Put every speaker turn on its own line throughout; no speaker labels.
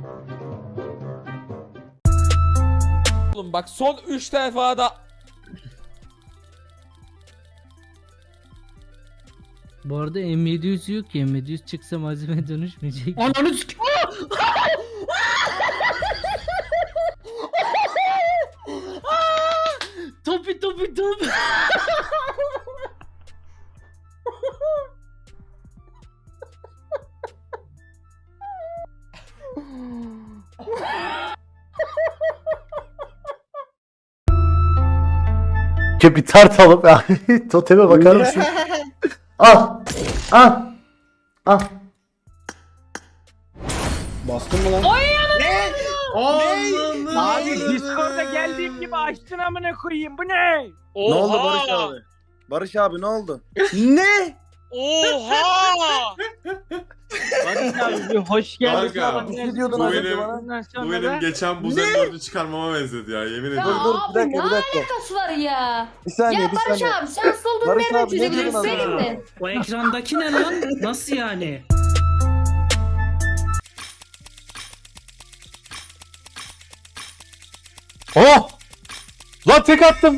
Oğlum bak son 3 defa da
Bu arada M700 yok ki. M700 çıksa malzeme dönüşmeyecek.
Ananı sik.
Topi topi topi.
Bir tart alıp toteme bakar mısın? Al. Al. Al.
Bastın mı lan?
Ne?
Abi
Discord'a geldiğim gibi açtın amına koyayım. Bu ne?
Ne oldu Barış abi? Barış abi ne oldu?
Ne? Oha! Barış abi bir hoş geldin.
Kanka,
Ne diyordun
bu
az
benim-
önce bana?
Ondan sonra
Bu
da-
benim geçen buz M4'ü çıkarmama benzedi ya yemin
Ya
ediyorum.
dur,
abi
bir dakika,
ne
bir dakika.
alakası var ya?
Bir saniye,
Ya
bir
Barış
saniye.
abi sen soldun
Barış
nereden
abi, ne
çözebilirsin
diyordun az
söyleyeyim
önce?
mi?
o ekrandaki ne lan? Nasıl yani?
Oh! Lan tek attım.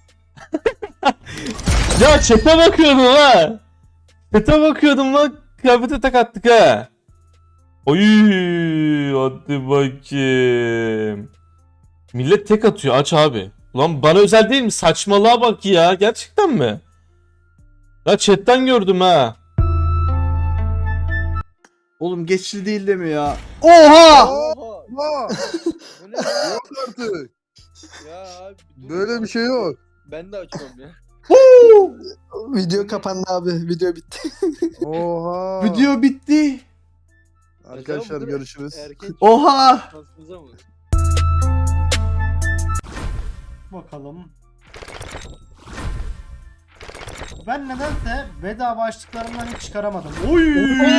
Ya çete bakıyordum ha. Çete bakıyordum lan. Kıyafete tek attık ha. Oy, hadi bakayım. Millet tek atıyor, aç abi. Ulan bana özel değil mi? Saçmalığa bak ya. Gerçekten mi? Ya chatten gördüm ha.
Oğlum geçli değil de mi ya? Oha!
Oha! Yok artık.
Ya abi
Böyle bir şey yok.
Ben de açıyorum ya.
Video kapandı abi. Video bitti.
Oha!
Video bitti.
Arkadaşlar görüşürüz.
Erken
Oha!
şansınıza mı?
Bakalım. Ben nedense bedava açtıklarımdan hiç çıkaramadım. Oy!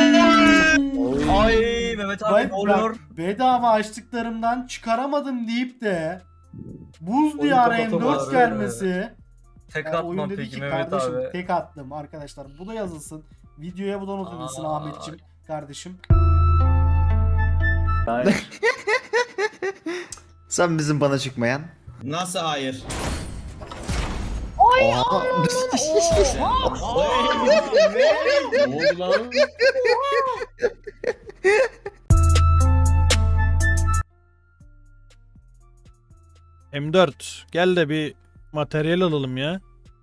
Ay Mehmet abi ne oluyor?
Bedava açtıklarımdan çıkaramadım deyip de Buz
Oyun
Diyarı
kapatamadı.
M4 gelmesi.
Tek
Yani oyun
atmam
dedi
peki
ki
Mehmet
kardeşim
abi.
tek attım arkadaşlar. Bu da yazılsın. Videoya bu da not edilsin
Aa.
Ahmetciğim kardeşim.
Sen bizim bana çıkmayan.
Nasıl hayır?
Oha.
Ne oldu lan?
M4 gel de bir materyal alalım ya.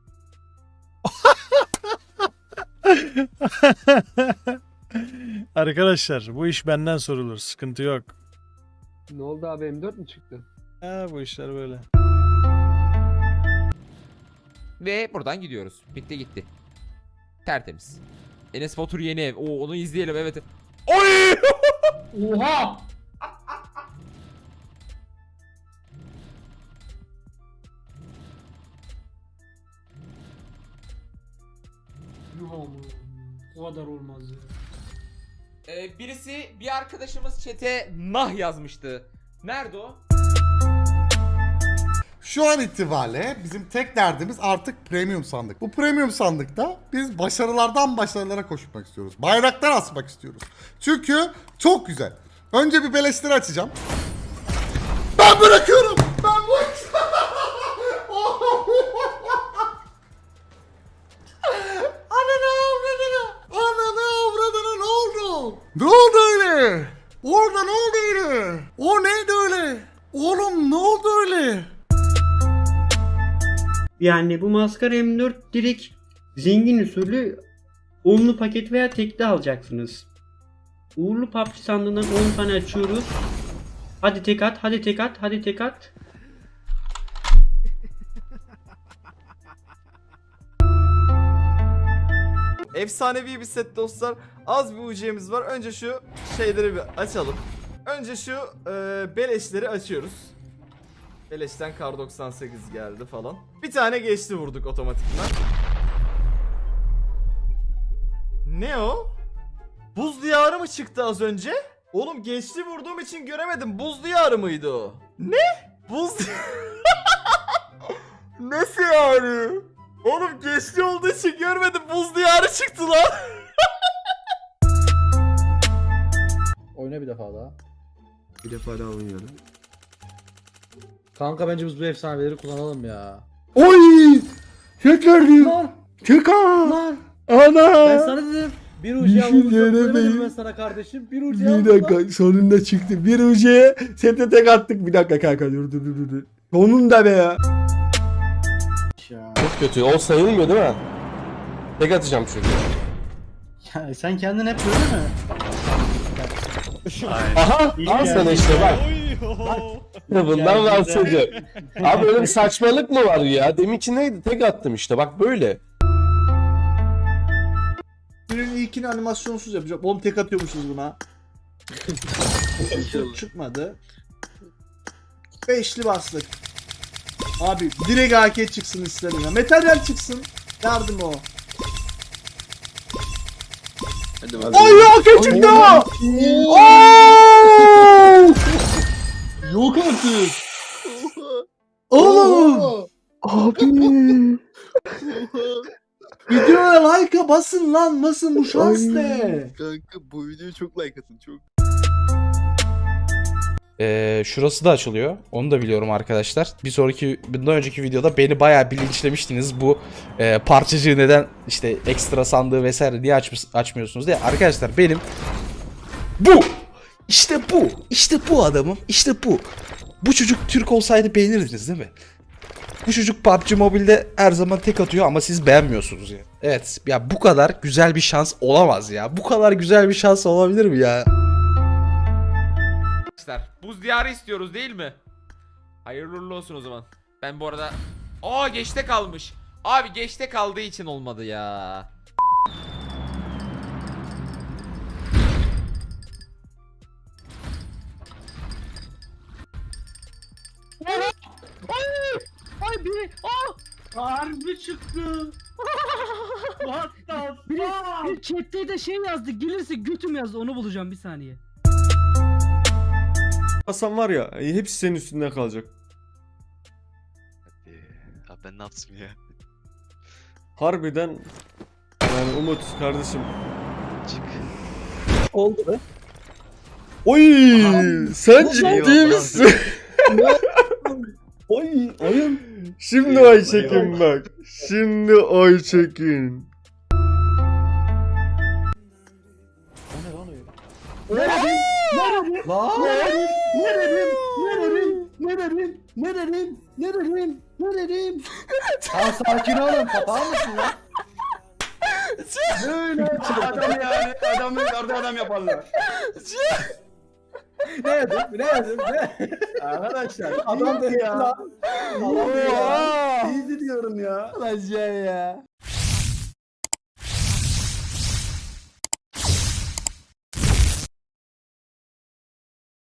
Arkadaşlar bu iş benden sorulur. Sıkıntı yok.
Ne oldu abi M4 mü çıktı?
Ha, bu işler böyle.
ve buradan gidiyoruz. Bitti gitti. Tertemiz. Enes Batur yeni ev. Oo, onu izleyelim evet. Oy!
Oha!
O kadar olmaz ya.
Birisi bir arkadaşımız chat'e nah yazmıştı. Nerede o?
Şu an itibariyle bizim tek derdimiz artık premium sandık. Bu premium sandıkta biz başarılardan başarılara koşmak istiyoruz. Bayraklar asmak istiyoruz. Çünkü çok güzel. Önce bir beleşleri açacağım. Ben bırakıyorum. Ben bu Ananı avradını. Ananı avradını ne oldu? Ne oldu öyle? Orada ne oldu öyle? O neydi öyle? Oğlum ne oldu öyle?
Yani bu maskara M4 direkt zengin usulü onlu paket veya tekli alacaksınız. Uğurlu PUBG sandığından 10 tane açıyoruz. Hadi tek at, hadi tek at, hadi tek at.
Efsanevi bir set dostlar. Az bir UC'miz var. Önce şu şeyleri bir açalım. Önce şu beleşleri açıyoruz. Beleşten kar 98 geldi falan. Bir tane geçti vurduk otomatikman. Ne o? Buz diyarı mı çıktı az önce? Oğlum geçti vurduğum için göremedim. Buz diyarı mıydı o? Ne? Buz Nasıl yani? Oğlum geçti olduğu için görmedim. Buz diyarı çıktı lan.
Oyna bir defa daha.
Bir defa daha oynayalım.
Kanka bence biz bu efsaneleri kullanalım ya.
Oy! Tekrar diyor.
Lan
Tekrar.
lan.
Ana.
Ben sana dedim. Bir ucuya vurmuşum ben sana kardeşim. Bir ucuya
Bir dakika sonunda çıktı. Bir ucuya sete tek attık. Bir dakika kanka dur. Sonunda be ya.
Çok kötü. O sayılmıyor değil mi? Tek atacağım çünkü.
Ya sen kendin hep böyle mi?
Aha! Al sana işte bak. Bundan bahsediyorum. Abi öyle bir saçmalık mı var ya? Deminki neydi? Tek attım işte bak böyle.
Günün ilkini animasyonsuz yapacağım. Oğlum tek atıyormuşuz buna. Çıkmadı. Beşli bastık. Abi direkt AK çıksın istedim ya. Materyal çıksın. Yardım o.
Ay AK çıktı.
Yok artık.
Oğlum. Abi.
Videoya like'a basın lan. Nasıl bu şans ne?
Kanka bu videoya çok like atın çok.
Şurası da açılıyor. Onu da biliyorum arkadaşlar. Bundan önceki videoda beni bayağı bilinçlemiştiniz. Bu parçacığı neden işte ekstra sandığı vesaire niye açmıyorsunuz diye. Arkadaşlar benim bu. İşte bu adamım. İşte bu. Bu çocuk Türk olsaydı beğenirdiniz değil mi? Bu çocuk PUBG Mobile'de her zaman tek atıyor ama siz beğenmiyorsunuz ya. Evet ya bu kadar güzel bir şans olamaz ya. Bu kadar güzel bir şans olabilir mi ya?
Buz diyarı istiyoruz değil mi? Hayırlı uğurlu olsun o zaman. Ben bu arada... Aa geçte kalmış. Abi geçte kaldığı için olmadı ya.
Ay biri. Harbi çıktı. What the fuck? Bir chatte de şey yazdı. Gelirse götüm yazdı. Onu bulacağım bir saniye.
Hasan var ya hepsi senin üstünden kalacak.
Abi ben ne yaptım ya?
Harbiden yani Umut kardeşim.
Çık.
Oldu be.
Oy. Sen ciddi misin?
Oy oyun.
Şimdi ay çekin bak. Şimdi ay çekin.
Ya sakin olun kapağır mısın lan? Böyle adam yani adamın kardı adam yaparlar. Ne yedim? Arkadaşlar adam dedi ya. Adam dedi ya. İyi diyorum ya. Lan ya.